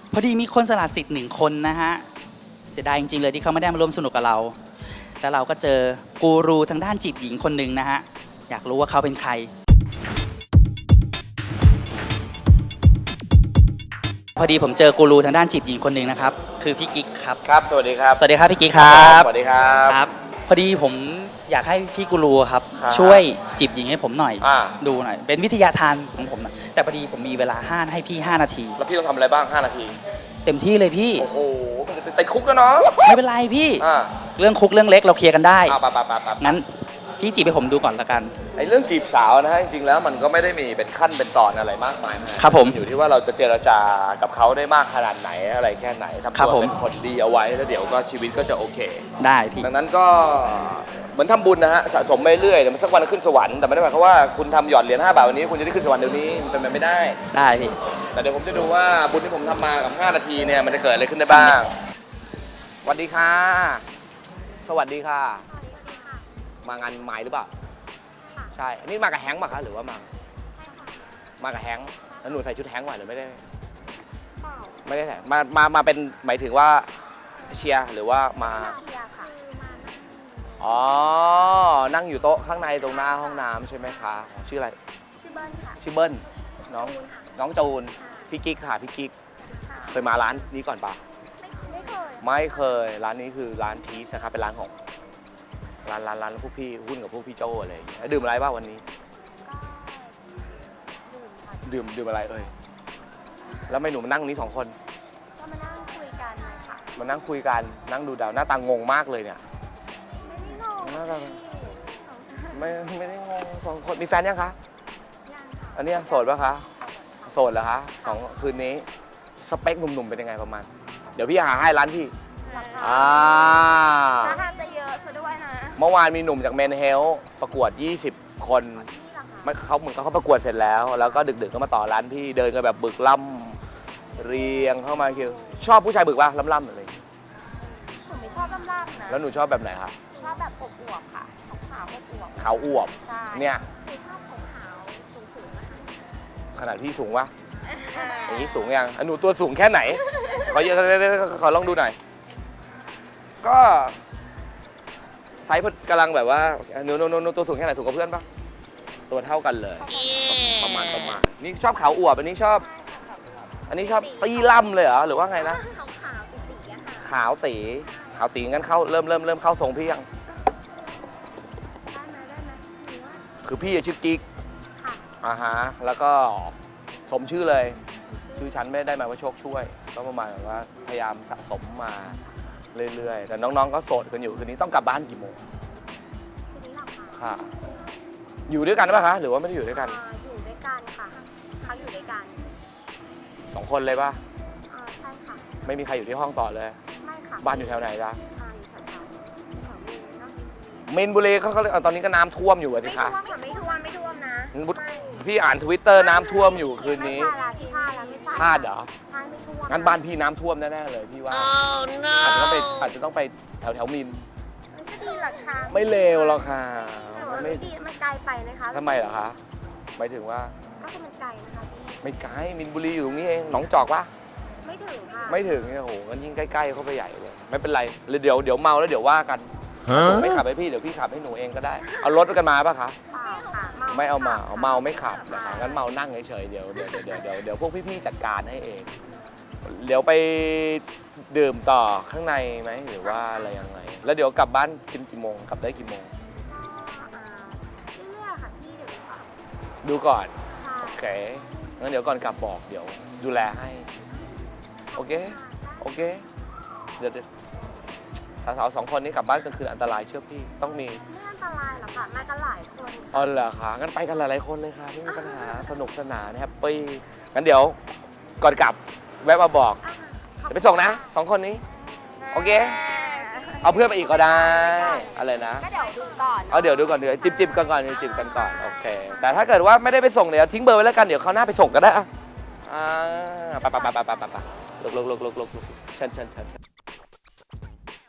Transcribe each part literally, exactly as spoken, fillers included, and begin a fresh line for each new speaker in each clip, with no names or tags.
พอดีมีคนสละสิทธิ์หนึ่งคนนะฮะเสียดายจริงๆเลยที่เขาไม่ได้มาร่วมสนุกกับเราแล้วเราก็เจอกูรูทางด้านจีบหญิงคนหนึ่งนะฮะอยากรู้ว่าเขาเป็นใครพอดีผมเจอกูรูทางด้านจีบหญิงคนหนึ่งนะครับคือพี่กิ๊กครับ
ครับสวัสดีครับ
สวัสดีครับพี่กิ๊กครับ
สวัสดีครับ
ครับพอดีผมอยากให้พี่กูรูครับช่วยจีบหญิงให้ผมหน่อยดูหน่อยเป็นวิทยาทานของผมนะแต่พอดีผมมีเวลาห้าให้พี่ห้านาที
แล้วพี่ต้องทำอะไรบ้างห้านาที
เต็มที่เลยพี่
โอ้โหมันจะติดคุกแล้วเนาะ
ไม่เป็นไรพี่เรื่องคุกเรื่องเล็กเราเคลียร์กันได้
อ่าปะปะปะปะ
งั้นพี่จีบให้ผมดูก่อนละกัน
ไอ้เรื่องจีบสาวนะฮะจริงๆแล้วมันก็ไม่ได้มีเป็นขั้นเป็นตอนอะไรมากมาย
นะครับผม
อยู่ที่ว่าเราจะเจรจากับเขาได้มากขนาดไหนอะไรแค่ไหนทำตัวเป็นคนดีเอาไว้แล้วเดี๋ยวก็ชีวิตก็จะโอเค
ได้พี่
ดังนั้นก็เหมือนทำบุญนะฮะสะสมไปเรื่อยเดี๋ยวมันสักวันขึ้นสวรรค์แต่ไม่ได้หมายความว่าคุณทำหยอดเหรียญห้าบาทวันนี้คุณจะได้ขึ้นสวรรค์เดี๋ยวนี้มันเป็นไปไม่ได้
ได้พี่
แต่เดี๋ยวผมจะดูว่าบุญที่ผมทำมากับห้านาทีเนี่ยมันจะเกิดอะไรขึ้นได้บ้างสวัสดีค่ะสวัสดีค่ะมางานไม้หรือเปล่าใช่อันนี้มากับแฮงค์ป่ะคะหรือว่ามามากับแฮงค์แล้วหนูใส่ชุดแฮงค์ไหวหรือไม่ได้ไม่ได้ใส่มามามาเป็นหมายถึงว่าเชียร์หรือว่ามาเชียร์ค่ะอ๋อนั่งอยู่โต๊ะข้างในตรงหน้าห้องน้ำใช่ไหมคะชื่ออะไร
ชื่อเบิ้ลค่ะ
ชื่อเบิ้ลน้องน้องจูนพี่กิ๊กค่ะพี่กิ๊กเคยมาร้านนี้ก่อนป่ะ
ไม่เคย
ไม่เคยร้านนี้คือร้านทีสนะครับเป็นร้านของร้านร้านร้านพวกพี่หุ้นกับพวกพี่โจอะไรอย่างเงี้ยดื่มอะไรบ้างวันนี้ดื่มดื่มอะไรเอ่ยแล้วไม่หนูมานั่งนี้สองคน
ก็มานั่งคุยกันเลยค่ะ
มานั่งคุยกันนั่งดูดาวหน้าตางงมากเลยเนี่ย
ไม่ได้งง
ไม่ไม่ได้งงสองคนมีแฟนยังคะ
ยังค่ะ
อันนี้โสดป่ะคะโสดเหรอคะสองคืนนี้สเปคหนุ่มๆเป็นยังไงประมาณเดี๋ยวพี่หาให้ร้านพี่
อ่าราคาจะเยอะซะด้วยนะ
เมื่อวานมีหนุ่มจากเมนเฮลประกวดยี่สิบคนไม่เขาเหมือนเขาประกวดเสร็จแล้วแล้วก็ดึกๆก็มาต่อร้านพี่เดินกันแบบบึกล่ำเรียงเข้ามาคือชอบผู้ชายบึกป่ะล่ำๆอะไร
หนูไม่ชอบล่ำๆนะ
แล้วหนูชอบแบบไหนคะ
ชอบแบบอวบๆค่ะขาวๆอวบ
ขาวอวบเนี่ย
หนูชอบขาวๆสูงๆนะคะ
ขนาดพี่สูงวะอย่างนี้สูงยังหนูตัวสูงแค่ไหนขอเยอะขอลองดูหน่อยก็ไซส์กำลังแบบว่าหนูหนูหนูตัวสูงแค่ไหนสูงกับเพื่อนปะตัวเท่ากันเลยประมาณประมาณนี่ชอบขาวอวบอันนี้ชอบอันนี้ชอบตีล่ำเลยเหรอหรือว่าไงนะขาวตีขาวตีงั้นเข้าเริ่มเริ่มเริ่มเข้าทรงพี่ยังคือพี่ชื่อกิ๊กอ่าฮะแล้วก็สมชื่อเลยชื่อฉันไม่ได้หมายว่าโชคช่วยก็ประมาณว่าพยายามสะสมมาเรื่อยๆแต่น้องๆก็โสดกันอยู่คืนนี้ต้องกลับบ้านกี่โมง
คืนนี้หลับ
ค่ะอยู่ด้วยกันป่ะคะหรือว่าไม่ได้อยู่ด้วยกัน
อยู่ด้วยกันค่ะเขาอยู่ด้วยกัน
สองคนเลยป่ะ
อ่าใช่ค่ะ
ไม่มีใครอยู่ที่ห้องต่อเลย
ไม่ค่ะ
บ้านอยู่แถวไหนจ๊ะ
อยู่แถวแถว
มินบุรีเขาตอนนี้ก็น้ำท่วมอยู่สิคะ
ไม่ท่วมค่ะไม่ท่วมไม่ท่วมนะ
พี่อ่านทวิตเตอร์น้ำท่วมอยู่คืนนี้พลาดเหรอ
ใช่ไม่ท่วม
งั้นบ้านพี่น้ำท่วมแน่ๆเลยพี่ว่าอาจจะต้องไปอาจจะต้องไปแถวแถวมิน
ก็ดีหรอคะ
ไม่เลวหรอกค่ะ
มันไม่ดีมันไกลไปนะคะ
ทำไมเหรอคะหมายถึงว่า
ก็คือมันไกลนะคะพี่
ไม่ไกลมินบุรีอยู่ตรงนี้เองหนองจอกปะ
ไม่ถึงค่ะ
ไม่ถึงเนี่ยโหงั้นยิ่งใกล้ๆเข้าไปใหญ่เลยไม่เป็นไรเดี๋ยวเดี๋ยวเมาแล้วเดี๋ยวว่ากันไม่ขับให้พี่เดี๋ยวพี่ขับให้หนูเองก็ได้เอารถกันมาปะคะไม่เอามาเอาเมาไม่ขับนะคะงั้นเมานั่งเฉยๆเดี๋ยวเดี๋ยวเดี๋ยวเดี๋ยวเดี๋ยวพวกพี่ๆจัดการให้เองเดี๋ยวไปดื่มต่อข้างในไหมหรือว่าอะไรยังไงแล้วเดี๋ยวกลับบ้านกินกี่โมงกลับได้กี่โมง
เรื่อยๆค่ะพี่เดี๋ยวก่อน
ดูก่อนโอเคงั้นเดี๋ยวก่อนกลับบอกเดี๋ยวดูแลให้โอเคโอเคเดี๋ยวสาวๆสองคนนี้กลับบ้านกลางคืนอันตรายเชื่อพี่ต้องมี
ไม่อันตรายหรอกค่ะมากันหลายคน
อ๋อเหรอคะงั้นไปกันหลายๆคนเลยค่ะไม่มีปัญหาสนุกสนานแฮปปี้งั้นเดี๋ยวก่อนกลับแวะมาบอกเดี๋ยวไปส่งนะสองคนนี้โอเคเอาเพื่อนไปอีกก็ได้อะไรนะ
ก็เดี๋ยวดูก่อน
เอาเดี๋ยวดูก่อนเดี๋ยวจิบจิบกันก่อนจิบกันก่อนโอเคแต่ถ้าเกิดว่าไม่ได้ไปส่งเดี๋ยวทิ้งเบอร์ไว้แล้วกันเดี๋ยวเขาหน้าไปส่งก็ได้อ่ะไปไปไปไปไปไปลุกลุกลุกลุกลุกลุกเชิญเชิญเชิญ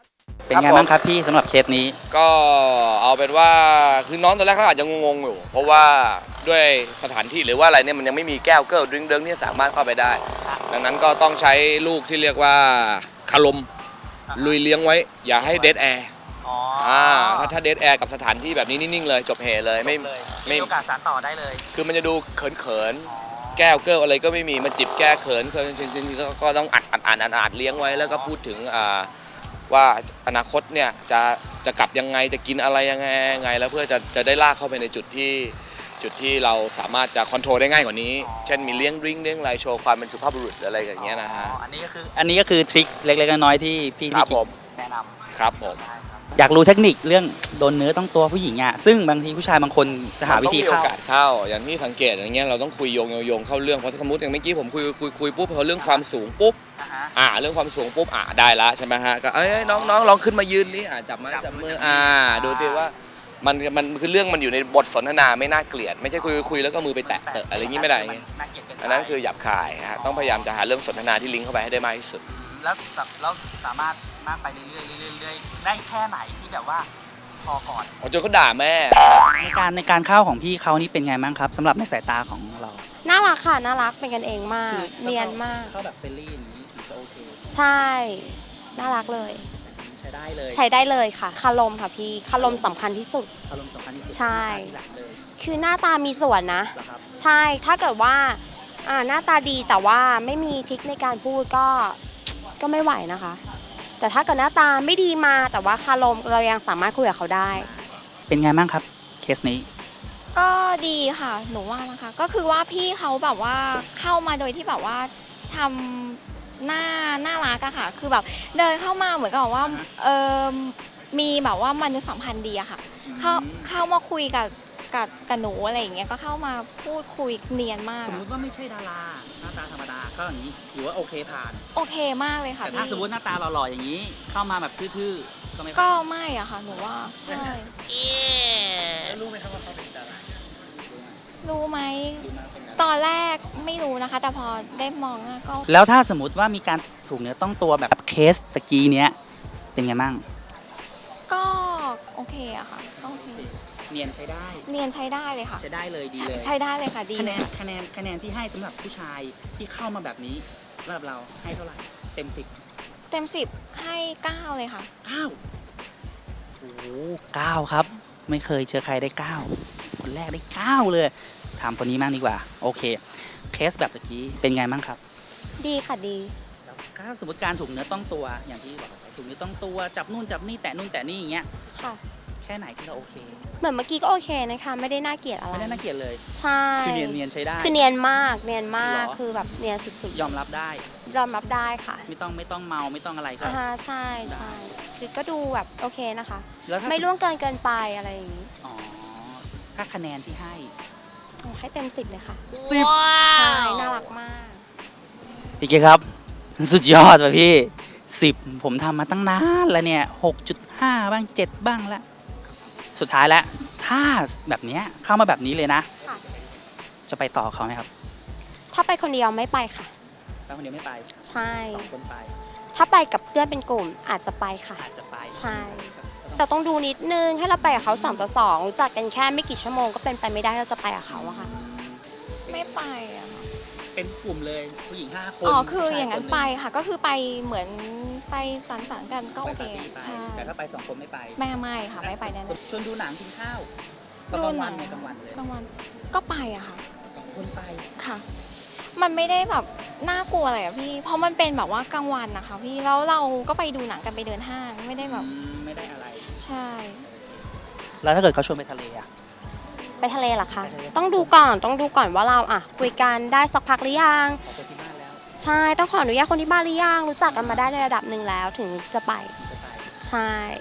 เป็นไงบ้างครับพี่สำหรับเคสนี้
ก็เอาเป็นว่าคือน้องตอนแรกเขาอาจจะงงๆอยู่เพราะว่าด้วยสถานที่หรือว่าอะไรเนี่ยมันยังไม่มีแก้วเกิลดริงเดิงที่สามารถเข้าไปได้ ดังนั้นก็ต้องใช้ลูกที่เรียกว่าคาลมลุยเลี้ยงไว้อย่าให้เดดแอร์
อ๋อ
อ่าถ้าถ้าเดดแอร์กับสถานที่แบบนี้นิ่งๆเลยจบเหเลยไม่
เลย
ไม่
มีโอกาสสานต่อได้เลย
คือมันจะดูเขินๆแก้วเกิลอะไรก็ไม่มีมาจิบแก้เขินเขินจริงๆก็ก็ต้องอัดอัดอัดอัดอัดเลี้ยงไว้แล้วก็พูดถึงอ่าว่าอนาคตเนี่ยจะจะกลับยังไงจะกินอะไรยังไงยังไงแล้วเพื่อจะจะได้ลากเข้าไปในจุดที่จุดที่เราสามารถจะคอนโทรลได้ง่ายกว่านี้ เช่นมีเลี้ยงดริงก์เลี้ยงอะไรโชว์ความเป็นสุภาพบุรุษอะไรอย่างเงี้ยนะฮะ
อ๋ออันนี้ก็คืออันนี้ก็คือทริคเล็กๆน้อยๆที่พี่
ครั
พี่
บผม
แนะนำ
ครับผม
อยากรู้เทคนิคเรื่องโดนเนื้อต้องตัวผู้หญิงอ่ะซึ่งบางทีผู้ชายบางคนจะหาวิธี
ต้องมีโอ
เข้า
กาสเข้าอย่างที่สังเกตอย่างเงี้ยเราต้องคุยโยงโยงโยงเข้าเรื่องเพราะสมมติอย่างเมื่อกี้ผมคุยคุยคุยปุ๊บพอเรื่องความสูงปุ๊บ
อ่าฮะ
อ่าเรื่องความสูงปุ๊บอ่าได้ละใช่ไหมฮะก็เอ้ยน้องน้องลองขึ้นมายืนนี่อ่าจับไม้
จับ
จับ
มื
มื
อ
อ
จับมือ
อ่า
อ่า
ดูสิว่ามันมันคือเรื่องมันอยู่ในบทสนทนาไม่น่าเกลียดไม่ใช่คุยคุยแล้วก็มือไปแตะเตะอะไรอย่างงี้ไม่ได้อย่างงี้
น่าเกลียดเกินไป
อันนั้นคือหยาบคายฮะต้องพยายามจะหาเรื่องสนทนาที่ลิงก์เข้าไปให้ได้มากที่สุด
แล้วสับแล้วสามารถมากไปเรื่อยๆเรื่อยๆเรื่อยๆได้แค่ไหนที่แบบว่าพอก่อน
ผมจนเขาด่าแม่
ในการในการเข้าของพี่เขานี่เป็นไงบ้างครับสำหรับในสายตาของเรา
น่ารักค่ะ น่ารักเป็นกันเองมาก
คือ
เนียนมาก
เข้าแบบเฟรนลี่อย่างนี้ถึงจะโอเค
ใช่ น่ารักเลย
ใช้ได้เลย
ใช้ได้เลยค่ะ คารมค่ะพี่คารมสำคัญที่สุด
อารมณ์สำคัญที่สุด
ใช่
ที่หลักเลย
คือหน้าตามีส่วนนะ
เหรอครับ
ใช่ ถ้าเกิดว่าอ่าหน้าตาดีแต่ว่าไม่มีทริคในการพูดก็ก็ไม่ไหวนะคะ แต่ถ้าเกิดหน้าตาไม่ดีมาแต่ว่าคารมเรายังสามารถคุยกับเขาได้
เป็นไงบ้างครับเคสนี้
ก็ดีค่ะหนูว่านะคะก็คือว่าพี่เขาแบบว่าเข้ามาโดยที่แบบว่าทำหน้าน่ารักอะค่ะ คือแบบเดินเข้ามาเหมือนกับว่าเออมีแบบว่ามนุษยสัมพันธ์ดีอะค่ะ เข้าเข้ามาคุยกับกับกับหนูอะไรอย่างเงี้ยก็เข้ามาพูดคุยเนียนมาก
สมมุติว่าไม่ใช่ดาราหน้าตาธรรมดาก็อย่างนี้ถือว่าโอเคผ่าน
โอเคมากเลยค่ะ
แต่ถ้า
พี่
สมมติหน้าตาหล่อๆอย่างนี้ เข้ามาแบบทื่อๆก็ไม่
ก็ไม่อะค่ะหนูว่าใช่
รู้ไหมครับว่าเขาเป็นดารา
รู้ไหมตอนแรกไม่รู้นะคะ แต่พอได้มองหน้าก็
แล้วถ้าสมมติว่ามีการถูกเนื้อต้องตัวแบบเคสตะกี้เนี้ยเป็นไงบ้าง
ก็โอเคอะค่ะก็โอเค
เนียนใช้ได้
เนียนใช้ได้เลยค่ะ
ใช้ได้เลยดี
ใช้
เลย
ใช้ได้เลยค่ะดี
คะแนนคะแนนคะแนนที่ให้สำหรับผู้ชายที่เข้ามาแบบนี้สำหรับเราให้เท่าไหร่เต็มสิบ
เต็มสิบให้เก้าเลยค่ะ
เก้าโอ้โหเก้าครับ ไม่เคยเจอใครได้เก้าคนแรกได้เก้าเลยถามคนนี้มากดีกว่า โอเค เคสแบบตะกี้เป็นไงบ้างครับ
ดีค่ะดี
แล้วถ้าสมมติการถูกเนื้อต้องตัวอย่างที่บอกไปถูกเนื้อต้องตัวจับนู่นจับนี่แตะนู่นแตะนี่อย่างเงี้ย
ค่ะ
แค่ไหนที่เราโอเค
เหมือนเมื่อกี้ก็โอเคนะคะ ไม่ได้น่าเกลียดอะไร
ไม่ได้น่าเกลียดเลย
ใช่
คือเนียนเนียนใช้ได้
คือเนียนมาก เนียนมาก
เหรอ
คือแบบเนียนสุด
ยอมรับได้
ๆ ยอมรับได้ค่ะ
ไม่ต้องไม่ต้องเมาไม่ต้องอะไรก็
อ่าฮะใช่ใช่คือก็ดูแบบโอเคนะคะ
แล้วถ้า
ไม่ล่วงเกินเกินไปอะไรอย่างนี้
อ๋อถ้าคะแนนที่ให้
โอ้ให้เต็มสิบเลยค่ะ
สิบ
ใช่ น่ารักมาก
พี่เกครับ สุดยอดว่ะพี่สิบผมทำมาตั้งนานแล้วเนี่ยหกจุดห้าบ้างเจ็ดบ้างแล้วสุดท้ายแล้ว ถ้าแบบเนี้ยเข้ามาแบบนี้เลยนะ
ค่ะ
จะไปต่อเขาไหมครับ
ถ้าไปคนเดียวไม่ไปค่ะ
ไปคนเดียวไม่ไป
ใช่
สองคนไป
ถ้าไปกับเพื่อนเป็นกลุ่มอาจจะไปค่ะ
อาจจะไป
ใช่ เราต้องดูนิดนึง ให้เราไปกับเขาสองต่อสองรู้จักกันแค่ไม่กี่ชั่วโมงก็เป็นไปไม่ได้ที่เราจะไปกับเขาอะค่ะ
ไม่ไปอะค่ะ
เป็นกลุ่มเลยผู้หญิงห้าคน
อ๋อคือ
ผู้ช
อย่างนั้น
ค
ไปค่ะ ก็คือไปเหมือนไปสังสรรค์กันก็โอเค
ไปปาร์ตี้ไป
ใช่
แต่ถ้าไปสองคนไม่ไป
แม่ไม่ค่ะไม่ไปแน่ๆ
ชวนดูหนังกินข้าว
ดู
กลาง
ห
วั
นั
น
ง
เนี่ยกลางวันเลย
กลางวันก็ไปอะค่ะ
สองคนไป
ค่ะ มันไม่ได้แบบน่ากลัวอะไรอะพี่ เพราะมันเป็นแบบว่ากลางวันนะคะพี่ แล้วเราก็ไปดูหนังกันไปเดินห้าง ไม่ได้แบบ
อืมไม่ได้อะไร
ใช่
แล้วถ้าเกิดเขาชวนไปทะเลอะ
ไปทะเลเหรอคะ
ไปทะเล
ต้องดูก่อน ต้องดูก่อนว่าเราอะคุยกันได้สักพักหรือยัง
ขอคนที่บ้านแล้ว
ใช่ ต้องขออนุญาตคนที่บ้านหรือยัง รู้จักกันมาได้ในระดับหนึ่งแล้วถึงจะไป
จะไป
ใช่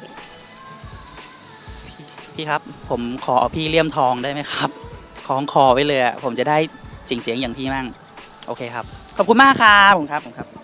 พี่พี่ครับ ผมขอพี่เลี่ยมทองได้ไหมครับคล้องคอไว้เลยอะผมจะได้เจ๋งๆอย่างพี่มั่งโอเคครับขอบคุณมากครับผมครับผมครับ